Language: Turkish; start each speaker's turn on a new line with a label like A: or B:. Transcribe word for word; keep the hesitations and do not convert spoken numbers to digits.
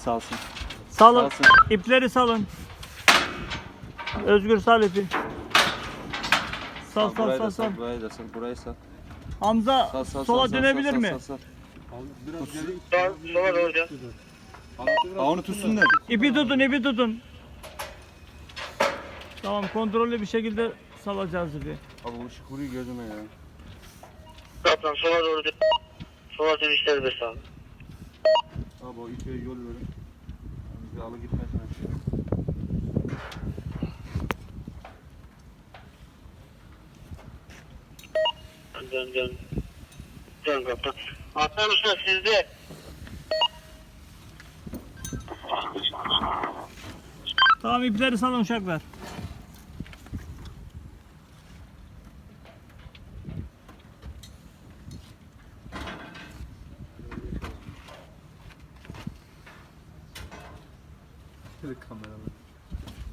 A: salsın.
B: Salın.
A: Salsın.
B: İpleri salın. Özgür sal ipi. Sal sal
A: burayı
B: sal
A: da
B: sal.
A: sal. Burayı da sal. Burayı sal.
B: Hamza
A: Sal sal
B: sola
A: sal,
B: dönebilir
A: sal,
B: mi?
A: Sal, sal,
C: Sol, sola doğru dön.
A: Ha, onu tutsunlar.
B: İpi tutun, ipi tutun. Tamam, kontrollü bir şekilde salacağız ipi.
A: Abi bu ışık vuruyor gözüme ya.
C: Kaptan sola doğru dön. Sola dön işleri bir sağ.
A: Abi o ipe yol verin. Bizi alı gitmesin aşağı.
C: Dön dön. Dön kaptan. Atlar usta sizde.
B: Tamam, ipleri salın uşaklar.
A: Kameralar.